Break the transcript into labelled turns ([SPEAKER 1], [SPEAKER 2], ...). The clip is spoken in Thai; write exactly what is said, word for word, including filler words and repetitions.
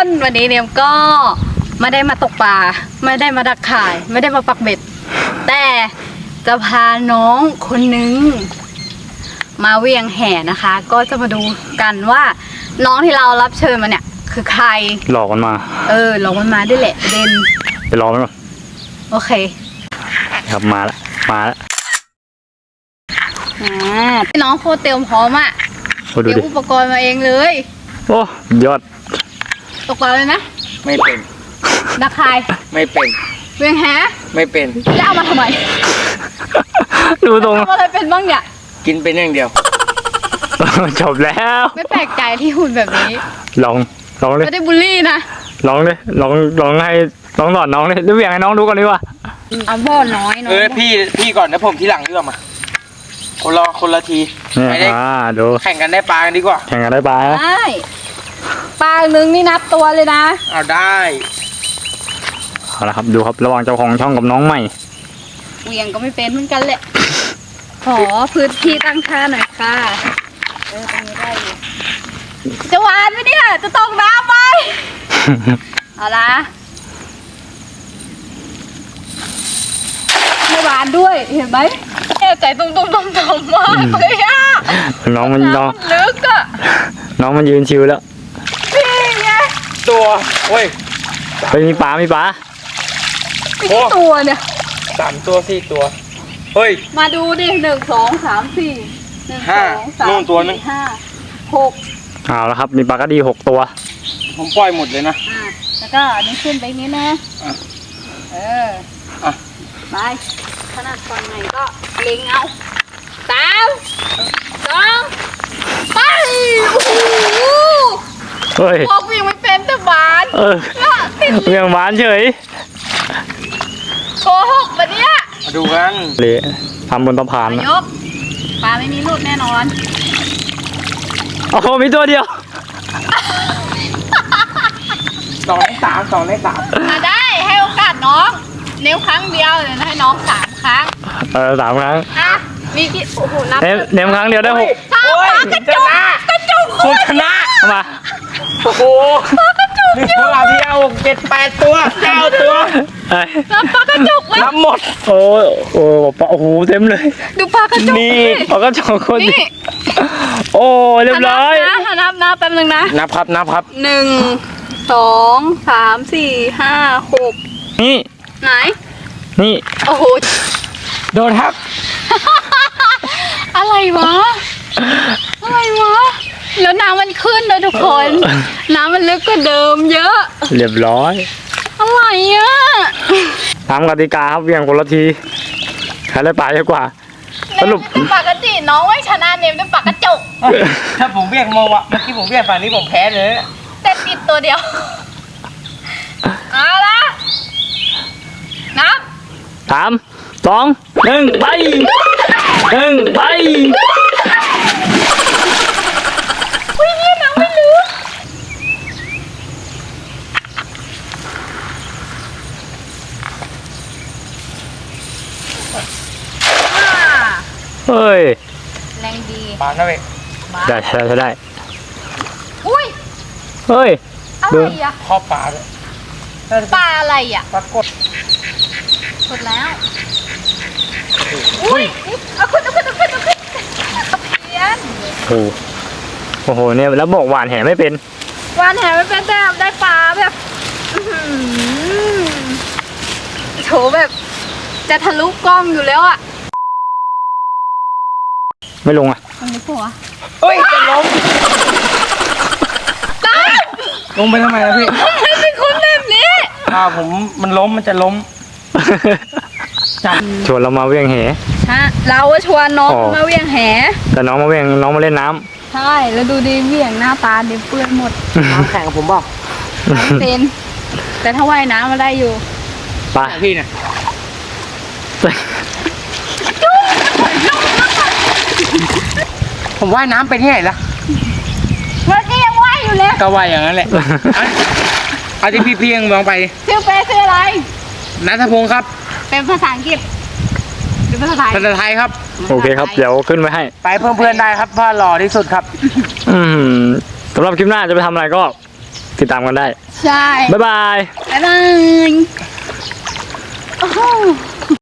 [SPEAKER 1] วันนี้เนี่ยก็ไม่ได้มาตกปลาไม่ได้มาดักข่ายไม่ได้มาปักเบ็ดแต่จะพาน้องคนนึงมาเวียงแห่นะคะ ก็จะมาดูกันว่าน้องที่เรารับเชิญมาเนี่ยคือใคร
[SPEAKER 2] หลอกมันมา
[SPEAKER 1] เออหลอกมันมาด้วยแหละเด่น
[SPEAKER 2] ไปรอมันก่อน
[SPEAKER 1] โอเค
[SPEAKER 2] ครับมาแล้วมาแล้ว
[SPEAKER 1] อ่าน้องโคตรเตรียมพร้อมอ่ะเตรียมอุปกรณ์มาเองเลย
[SPEAKER 2] โอ้ยอด
[SPEAKER 1] ตกปลาเลยนะ
[SPEAKER 3] ไม่เป็น
[SPEAKER 1] ดักข่าย
[SPEAKER 3] ไม่เป็น
[SPEAKER 1] เวียงแห่
[SPEAKER 3] ไม่เป็น
[SPEAKER 1] แล้วเอามาทำไม
[SPEAKER 2] ดูตรง
[SPEAKER 1] ทำอะไรเป็นบ้างเนี่ย
[SPEAKER 3] กินเป็นอย่างเดียว
[SPEAKER 2] จบแล้ว
[SPEAKER 1] ไม่แปลกใจที่หุ่นแบบนี้
[SPEAKER 2] ลองลองเลย
[SPEAKER 1] ไม่ได้บูลลี่นะ
[SPEAKER 2] ลองเลยลองลองให้ลองสอนน้องเลยดูอย่างให้น้องดูก่อนดีกว่า
[SPEAKER 1] เอาพ่อน้อยน้อย
[SPEAKER 3] เออพี่พี่ก่อนนะผมทีหลังดีกว่ามาคนละคนละที
[SPEAKER 2] ไม่ได้ดู
[SPEAKER 3] แข่งกันได้ปลากันดีกว่า
[SPEAKER 2] แข่งกันได้ปลา
[SPEAKER 1] ได้ปลาหนึ่งนี่นับตัวเลยนะ
[SPEAKER 3] เอาได้
[SPEAKER 2] เอาละครับดูครับระหว่างเจ้าของช่องกับน้องใหม่
[SPEAKER 1] เวียงก็ไม่เป็นเหมือนกันแหละขอพื้นที่ตั้งท่าหน่อยค่ะเออตรงนี้ได้อยู่จะหวานไหมเนี่ยจะตกน้ำไหมเอาละไม่หวานด้วยเห็นไหมใจตุ้มตุ้มตุ้มตุ้มมากเลยอ่ะ
[SPEAKER 2] น้องมันน้อง
[SPEAKER 1] ลึกอ่ะ
[SPEAKER 2] น้องมันยืนชิวแล้ว
[SPEAKER 1] นี่ไง
[SPEAKER 3] ตัวโอ้ย
[SPEAKER 2] ไปมีปลามีปลา
[SPEAKER 1] มีกี่ตัวเนี่ย
[SPEAKER 3] สามตัวสี่ตัวเฮ้ย
[SPEAKER 1] มาดูดิหนึ่งสองสามสี่หนึ่งสองสามสี่ห้าหก
[SPEAKER 2] เอาแล้วครับมีปลากระดีหกตัว
[SPEAKER 3] ผมปล่อยหมดเลยนะ
[SPEAKER 1] อ่าแล้วก็อันนี้ขึ้นไปนี้นะเออ
[SPEAKER 3] อ่ะ
[SPEAKER 1] ไปขนาดตอนไหนก็เล็งเอาสามสองไปโอ้โห
[SPEAKER 2] เฮ้ย
[SPEAKER 1] พอวิ่งไม่เป็นแต่บาน
[SPEAKER 2] เออเวียงบานเฉย
[SPEAKER 1] โกหกปะเนี่ย
[SPEAKER 3] มาดูกัน
[SPEAKER 2] เละทำบนตะพาน
[SPEAKER 1] นะยกปลาไม่มีรูดแน่นอน
[SPEAKER 2] โอ้โหมีตัวเดียว
[SPEAKER 3] สองในสามสองในสาม
[SPEAKER 1] มาได้ให้โอกาสน้องนิ้วครั้งเดียวเลยให้น้องสามครั้ง
[SPEAKER 2] เออสามครั้ง
[SPEAKER 1] อ่ะมีกี่โอ้โหนับ
[SPEAKER 2] เนมครั้งเดียวได้หก
[SPEAKER 1] ปลากระจุกกระจุก
[SPEAKER 3] คุณชนะ
[SPEAKER 2] มา
[SPEAKER 3] โอ้โห
[SPEAKER 1] ปลากระจุก
[SPEAKER 3] เยอะปลาเพียวเจ็ดแปดตัวเก้าตัว
[SPEAKER 1] นับปลากระจุกเลย
[SPEAKER 3] นับหมด
[SPEAKER 2] โอ้โอ้ปลาโอ้โหเต็มเลย
[SPEAKER 1] ดูปลากระจุก
[SPEAKER 2] นี่ปลากระจุกคนนี้โอ้เรียบร้อย
[SPEAKER 1] นะนับนับแป๊บนึงนะ
[SPEAKER 3] นับครับนับครับ
[SPEAKER 1] หนึ่งสองสามสี่ห้าหก
[SPEAKER 2] นี่
[SPEAKER 1] ไหน
[SPEAKER 2] นี่
[SPEAKER 1] โอ้โห
[SPEAKER 3] โดนครับ
[SPEAKER 1] อะไรวะอะไรวะแล้วน้ำมันขึ้นเลยทุกคนน้ำมันลึกกว่าเดิมเยอะ
[SPEAKER 2] เรียบร้อย
[SPEAKER 1] อะไรอ่ะ
[SPEAKER 2] ตามกติกาครับเวียงคนละทีใครได้ปลาเยอะกว่า
[SPEAKER 1] สรุปปากกระจีน้องไม่ชนะเนมด้วยปากกระจก
[SPEAKER 3] ถ้าผมเวียงมองวะเมื่อกี้ผมเวียงฝั่งนี้ผมแพ้เลย
[SPEAKER 1] แต่ติดตัวเดียวเอาละนับ
[SPEAKER 2] สามสองหนึ่งไปหนึ่งไป
[SPEAKER 1] อุ้ยเนี่ยน้ำไม่ลึก
[SPEAKER 2] เฮ้ย
[SPEAKER 1] แรงดี
[SPEAKER 3] ปลาหน่อย
[SPEAKER 2] ได้ได้ได้
[SPEAKER 1] อุ้ย
[SPEAKER 2] เฮ้ย
[SPEAKER 1] อะไรอ่ะ
[SPEAKER 3] ข้อปลาเลย
[SPEAKER 1] ปลาอะไรอ่ะ
[SPEAKER 3] ปลากด
[SPEAKER 1] กดแล้วอุ้ยเอาขึ้นเอาขึ้นเอาขึ้นเอาขึ้นเพี้ยน
[SPEAKER 2] โอ้โอ้โหเนี่ยแล้วบอกหวานแหไม่เป็น
[SPEAKER 1] หวานแหไม่เป็นแต่ได้ปลาแบบโถแบบจะทะลุกล้องอยู่แล้วอ่ะ
[SPEAKER 2] ไม่ลงอ่ะ
[SPEAKER 1] มันไม่ผัว
[SPEAKER 3] เฮ้ยจะล้มลงไปทำไมล่ะพี่
[SPEAKER 1] ไม่เป็นคนแบบนี้
[SPEAKER 3] อ่าผมมันล้มมันจะล้ม
[SPEAKER 2] ชวนเรามาเวียงแห
[SPEAKER 1] ฮะเราชวนน้องมาเวียงแห
[SPEAKER 2] แต่น้องมาเวียงน้องมาเล่นน้ำ
[SPEAKER 1] ใช่แล้วดูดีเวียงหน้าตาเด็เปื้อนหมด
[SPEAKER 3] น้ำแข่งกับผมเปล่า
[SPEAKER 1] ไม่เป็นแต่ถ้าว่ายน้ำมาได้อยู่
[SPEAKER 2] ไป
[SPEAKER 3] พี่เนี่ยผมว่ายน้ำไปที่ไหนล่ะ
[SPEAKER 1] มันก็ยังว่ายอยู่เลย
[SPEAKER 3] ก็ว่ายอย่างนั้นแหละเอาที่พี่เพียงมองไป
[SPEAKER 1] ชื่อเป๊ะชื่ออะไร
[SPEAKER 3] ณัฐพงศ์ครับ
[SPEAKER 1] เป็นภาษาอังกฤษหรือภาษาไทย
[SPEAKER 3] ภาษาไทยครับ
[SPEAKER 2] โอเคครับเดี๋ยวขึ้นไว้ให้
[SPEAKER 3] ไปเพิ่มเพื่อนได้ครับพ่อหล่อที่สุดครับ
[SPEAKER 2] อืมสำหรับคลิปหน้าจะไปทำอะไรก็ติดตามกันได้
[SPEAKER 1] ใช่
[SPEAKER 2] บ๊ายบาย
[SPEAKER 1] บ๊ายบายโอ้โห